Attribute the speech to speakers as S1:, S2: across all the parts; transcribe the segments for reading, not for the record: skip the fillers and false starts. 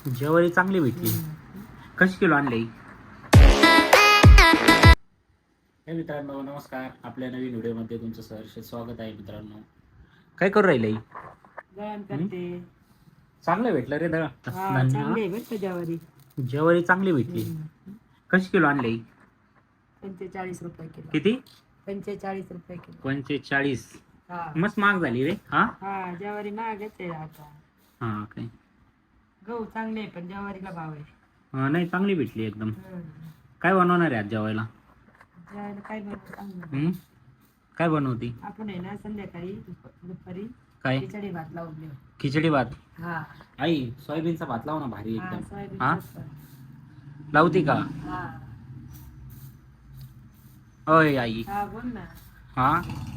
S1: ज्वारी चांगली भेटली. कशी किलो आणली? हे मित्रांनो नमस्कार. आपल्या नवीन व्हिडिओमध्ये तुमचं सहर्ष स्वागत आहे. मित्रांनो काय करू राहिले?
S2: दळण करते.
S1: चांगलं भेटलं रे दळण.
S2: चांगली भेटते ज्वारी.
S1: ज्वारी चांगली भेटली. कशी किलो आणली?
S2: 45 रुपये किलो.
S1: किती?
S2: 45 रुपये किलो.
S1: 45.
S2: हा
S1: मस्त महाग झाली रे. हा
S2: हा ज्वारी महागच आहे आता.
S1: हा काय
S2: गहू चांगले आहे पण ज्वारीला भाव आहे.
S1: नाही चांगली भेटली एकदम. काय बनवणार आहे आज जेवायला?
S2: ज्वारीला काय बनवू?
S1: काय बनवती?
S2: आपण आहे ना संध्याकाळी दुपारी
S1: काय?
S2: खिचडी भात लावून देऊ.
S1: खिचडी भात?
S2: हा
S1: आई सोयाबीनचा भात लाव ना, भारी
S2: हा
S1: एकदम.
S2: सोयाबीनचा.
S1: लावती का?
S2: हा
S1: अय आई.
S2: हा बोल ना.
S1: हा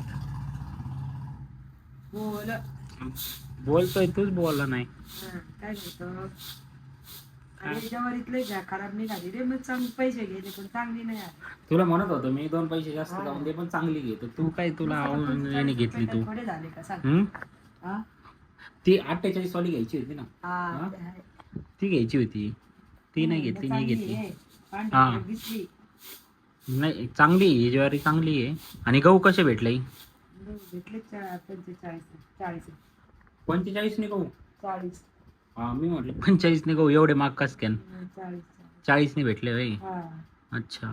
S2: बोल.
S1: बोलतोय तूच बोलला नाही.
S2: काय बोलतो? अरे ज्वारीतले घ्या खराब निघाली रे. मग चांगले पैसे गेले पण चांगली नाही आली.
S1: तुला म्हणत होतो मी 2 पैसे जास्त लावून दे पण चांगली घे. तर तू काय तुला आवडीने घेतली तू.
S2: थोडे झाले का सांग. हा
S1: ती 48 वाली घ्यायची होती ना.
S2: हा ते आहे.
S1: ती घ्यायची होती. ती नाही घेतली, मी घेतली.
S2: हा दिसली.
S1: नाही चांगली आहे, ज्वारी चांगली आहे. आणि गहू कसे भेटले?
S2: भेटले 45 40
S1: 45 ने गहू?
S2: 40
S1: हा मी म्हटलं 45 ने गहू एवढे माग कस कॅन? 40 ने भेटले होय.
S2: हा
S1: अच्छा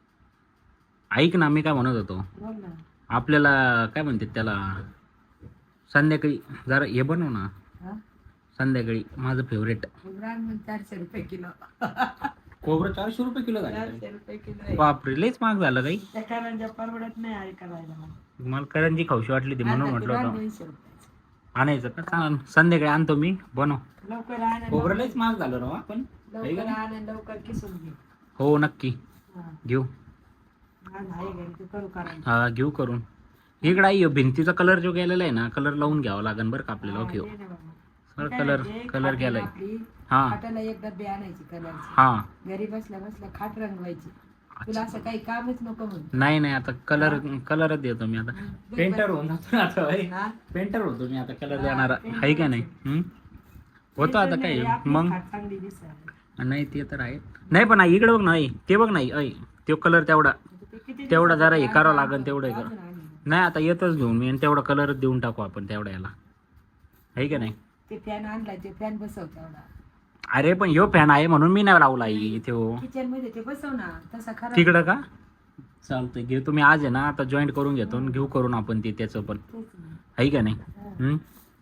S1: ऐक ना, मी काय म्हणत होतो,
S2: बोल ना.
S1: आपल्याला काय म्हणतात त्याला, संध्याकाळी जरा हे बनव ना.
S2: हा
S1: संध्याकाळी माझं फेवरेट
S2: 400 रुपये किलो.
S1: खोबरं 400 रुपये किलो झालं.
S2: 400 रुपये किलो आहे.
S1: बापरे लयच महाग झालं काही.
S2: त्या कारंजा परवडत नाही आहे करायला.
S1: मला करंजी खाऊशी वाटली ती म्हणून म्हटलं होतं
S2: 200 रुपये.
S1: आणायचं का. चालेल संध्याकाळी आणतो मी, बनव.
S2: लवकर आण.
S1: खोबरं लयच महाग झालं ना पण.
S2: लवकर आण आणि लवकर किसून घे.
S1: हो नक्की
S2: हा
S1: घेऊ.
S2: आहे घरी तू करू कारण.
S1: हा घेऊ करून. इकडे आई भिंतीचा कलर जो गेलेला आहे ना, कलर लावून घ्यावा लागेल बरं का आपल्याला. ओके सर कलर गेलाय. हा
S2: खाटाला एक डब्बे आणायची कलरची.
S1: हा
S2: घरी बसल्या बसल्या खाट रंगवायची. तुला असं काही कामच नको म्हणून.
S1: नाही आता कलरच देतो मी आता. पेंटर होऊन जातो ना आता भाई.
S2: हा?
S1: पेंटर होतो मी आता, कलर देणारा
S2: पेंटर
S1: आहे का नाही. होतो आता काय
S2: आपली
S1: मग.
S2: खाट चांगली दिसायला.
S1: नाही ते तर आहे. नाही पण आई इकडे बघ ना, आई ते बघ नाही, आई तो कलर तेवढा तेवढा जरा हे करावं लागेल तेवढं
S2: अजून आणि.
S1: नाही आता येतच घेऊन मी, आणि तेवढा कलर देऊन टाकू आपण तेवढ्या याला, आहे का नाही.
S2: ते फॅन आणलाय ते फॅन बसव तेवढा.
S1: अरे पण ह्यो फॅन आहे म्हणून मी नाही लावला आई तो.
S2: किचन मध्ये ते बसव ना. तसा खरा
S1: तिकडं का चालतंय. घेऊ तुम्ही आज आहे ना, आता जॉईंट करून घेतो आणि घेऊ करून आपण ते त्याचं पण, आहे का नाही.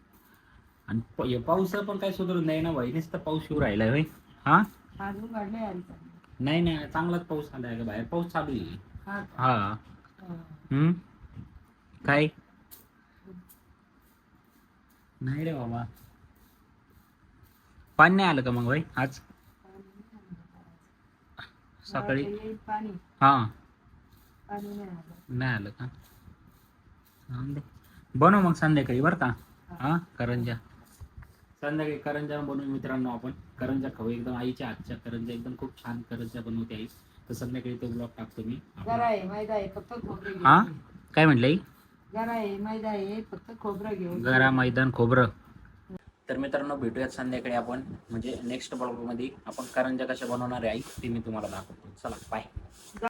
S1: आणि पाऊस पण काय सुधारून नाही ना भाई, नुसतं पाऊस येऊ राहिलाय भाई. हा
S2: अजून काढलंय आली.
S1: नाही चांगलाच पाऊस आलाय का बाहेर, पाऊस चालू आहे.
S2: हा
S1: हा काय नाही रे बाबा. पाणी नाही आलं का मग भाई आज सकाळी?
S2: येईल पाणी.
S1: हा
S2: पाणी नाही आलं.
S1: नाही आलं का. चांगलं. बनव मग संध्याकाळी बरं का. हा करंजा संध्याकाळी करंजा बनवू मित्रांनो. आपण करंजा खाऊ एकदम. आईच्या हातच्या करंजा एकदम खूप छान करंजा बनवते आई. तर संध्याकाळी तो ब्लॉग टाकतो मी.
S2: जरा आहे मैदा आहे फक्त खोबरं घेऊन.
S1: हा काय म्हटलं आई?
S2: जरा आहे मैदा आहे फक्त खोबरं घेऊन.
S1: गरा मैदान खोबरं. तर मित्रांनो भेटूयात संध्याकाळी आपण, म्हणजे नेक्स्ट ब्लॉगमध्ये आपण करंजा कशा बनवणार आहे आई ते मी तुम्हाला दाखवतो. चला बाय.